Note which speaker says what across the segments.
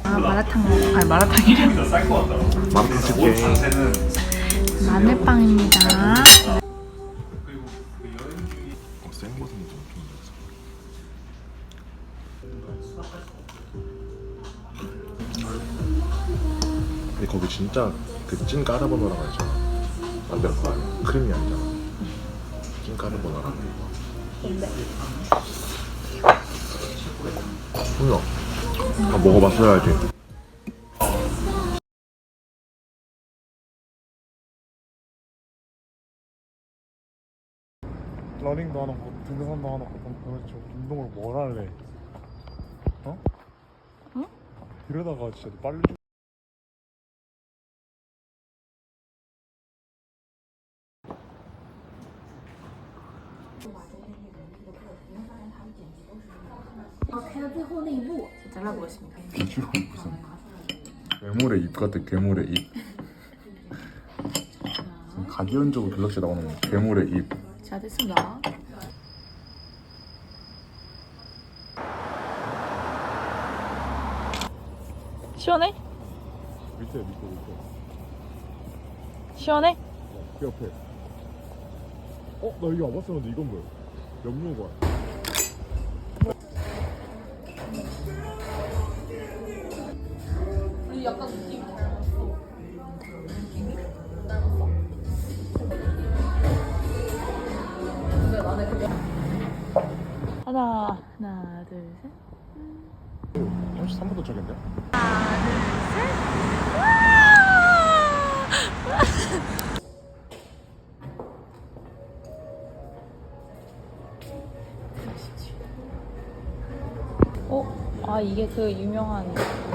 Speaker 1: 아 마라탕 아니 마라탕이래.
Speaker 2: 마라탕 집게.
Speaker 1: 마늘빵입니다.
Speaker 2: 생버섯은 좀 근데 거기 진짜 그 찐 까르보나라가 있잖아. 만들 거 아니야? 크림이 아니잖아. 찐 까르보나라.
Speaker 1: 근데
Speaker 2: 뭐야? 아, 먹어봤어야지. 러닝도 하는 거, 등산도 하는 거, 도대체 운동을 뭘 할래? 어?
Speaker 1: 응?
Speaker 2: 이러다가 진짜 빨리 좀.
Speaker 1: 잘라보겠습니다.
Speaker 2: 비주얼 무슨 괴물의 입 같아. 괴물의 입. 가디언즈 오브 갤럭시 나오는 괴물의 입.
Speaker 1: 자 됐습니다. 시원해?
Speaker 2: 밑에.
Speaker 1: 시원해?
Speaker 2: 그 옆에. 나 여기 와봤었는데 이건 뭐야? 염료관.
Speaker 1: 약간 느낌이 닮았어. 느낌이? 닮았어? 근데 나는 그게 하나 둘 셋.
Speaker 2: 33분 도착인데?
Speaker 1: 아 이게 그 유명한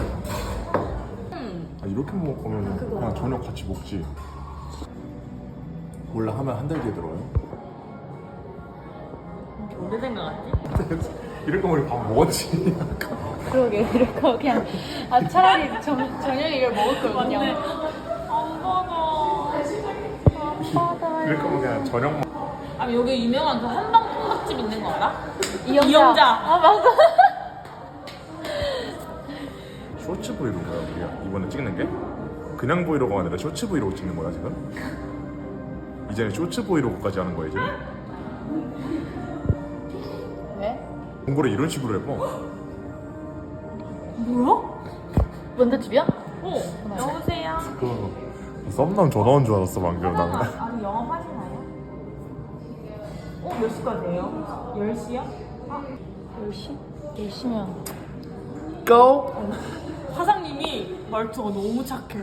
Speaker 2: 아, 이렇게 먹을 거면 그냥 저녁 같이 먹지. 원래 하면 한 달 뒤에 들어요?
Speaker 1: 오래된 것 같지?
Speaker 2: 이럴 거면 우리 밥 먹었지.
Speaker 1: 그러게 이럴 거 그냥 차라리 저녁에 이걸 먹을 거거든요. 안 받아.
Speaker 2: 이럴 거면 그냥 저녁 먹.
Speaker 3: 아 여기 유명한 그 한방 통닭집 있는 거 알아?
Speaker 1: 이영자. 아 맞아.
Speaker 2: 쇼츠 브이로그야 우리가 이번에 찍는 게? 그냥 브이로그가 아니라 쇼츠 브이로그 찍는 거야 지금? 이제 쇼츠 브이로그까지 하는 거야 이제?
Speaker 1: 왜?
Speaker 2: 공부를 이런 식으로 해봐.
Speaker 3: 뭐야?
Speaker 1: 원더집이야?
Speaker 3: 여보세요?
Speaker 2: 그 썸남 전화 온 줄 알았어 방금 나는.
Speaker 3: 아니 영업하시나요? 몇 시까지예요? 10시요?
Speaker 1: 10시? 10시면
Speaker 2: Go!
Speaker 3: 사장님이 말투가 너무 착해.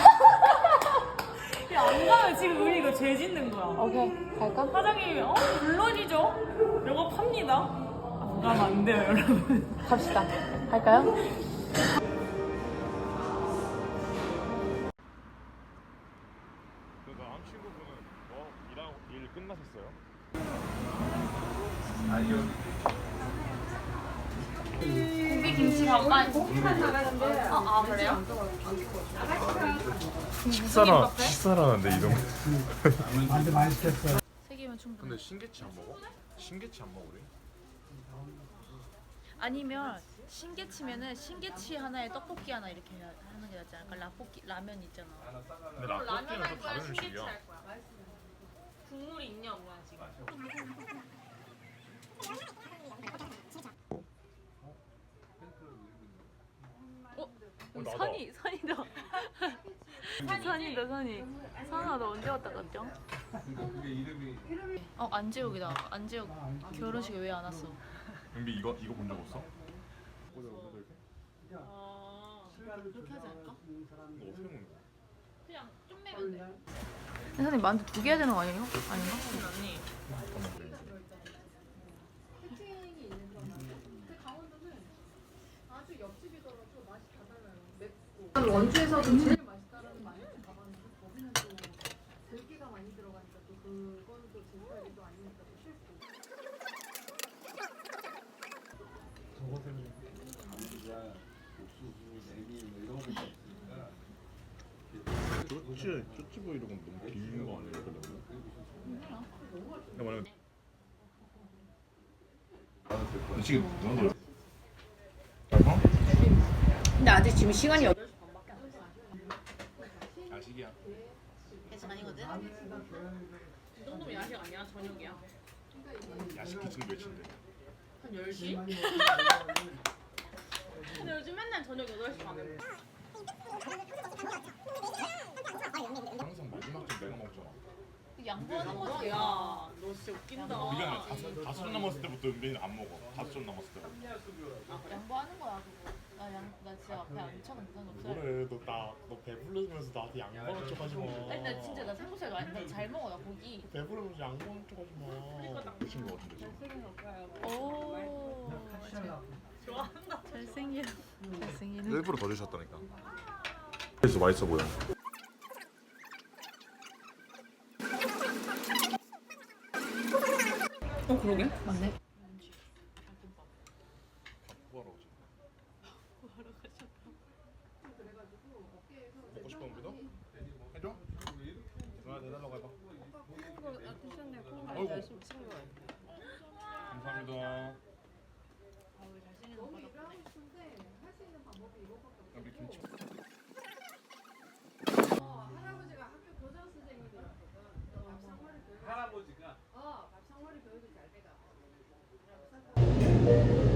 Speaker 3: 야, 안 가면 지금 우리 이거 죄 짓는 거야.
Speaker 1: 오케이 갈까?
Speaker 3: 사장님이 물론이죠. 영업합니다. 안 가면 안 돼요, 여러분.
Speaker 1: 갑시다. 갈까요?
Speaker 2: 다음 친구분은 일 끝나셨어요?
Speaker 3: 고기 김치 반반. 아 그래요?
Speaker 2: 식사라는데 이동.
Speaker 1: 세 개면 충분.
Speaker 2: 근데 신게치 안 먹어? 신게치 안 먹으래?
Speaker 1: 아니면 신게치면은 신게치 하나에 떡볶이 하나 이렇게 하는 게 낫지 않을까? 라면 있잖아.
Speaker 2: 근데 라볶이는 좀 다른 음식이야.
Speaker 3: 국물이 있냐 뭐야 지금?
Speaker 1: 선이다. 선아 너 언제 왔다 갔죠? 안재욱이다. 안재욱 결혼식에 왜 안 왔어?
Speaker 2: 은비 이거 본 적 없어?
Speaker 3: 그렇게 하지 않을까?
Speaker 2: 이거 어떻게 먹는 거야?
Speaker 3: 그냥 좀 매면 돼.
Speaker 1: 선생님 만두 2개 해야 되는 거 아니에요? 아닌가?
Speaker 3: 언니.
Speaker 4: 원주에서도 제일 맛있다라는 말을 가봤는데 거기는 또 들기가 많이 들어가니까 또 그건 또 제 스타일이 아니니까 또 싫고.
Speaker 5: 저것은 감자, 옥수수, 내기 뭐 이런 거 있으니까
Speaker 2: 쇼츠 브이로그는 너무 긴 거 아니야? 근데 만약에 지금 누구?
Speaker 1: 근데 아직 지금 시간이 8시 반밖에 안 됐어.
Speaker 2: 야식이야.
Speaker 1: 계속 아니거든?
Speaker 3: 이 정도면 야식 아니야? 저녁이야?
Speaker 2: 야식 기준 몇인데?
Speaker 3: 한 10시? 근데 요즘 맨날 저녁 8시 반에 먹어.
Speaker 2: 항상 마지막 좀 내가 먹잖아.
Speaker 1: 양보하는 거지.
Speaker 3: 야, 너 진짜 웃긴다.
Speaker 2: 우리가 다섯 점 남았을 때부터 은빈이는 안 먹어. 5점 남았을 때부터.
Speaker 1: 양보하는 거야 그거. 나 진짜 배 안 차는 그런 거 없어.
Speaker 2: 그래 너 배부르면서 나한테 양보하는 척 하지 마.
Speaker 1: 아니 나 진짜 나 삼겹살 나잘 먹어 나 고기.
Speaker 2: 배부르면서 양보하는 척 하지 마. 미친 거 같은데 지금.
Speaker 1: 오. 잘생겨. 잘생기는.
Speaker 2: 일부러 더 주셨다니까. 그래서 맛있어 보여.
Speaker 3: 그러게?
Speaker 1: 맞네.
Speaker 2: 뭐하러 오지? 먹고 싶어 은빈아? 해줘? 누나 내달라고 해봐. 아이고. 감사합니다.
Speaker 4: 일을 하고 싶은데 할 수 있는 방법이 이거밖에
Speaker 2: 우리
Speaker 4: 없고
Speaker 2: 김치.
Speaker 4: 할아버지가 학교 교장 선생님이었거든. 밥상머리 교육.
Speaker 5: 할아버지가
Speaker 4: 밥상머리 교육이 잘 돼가.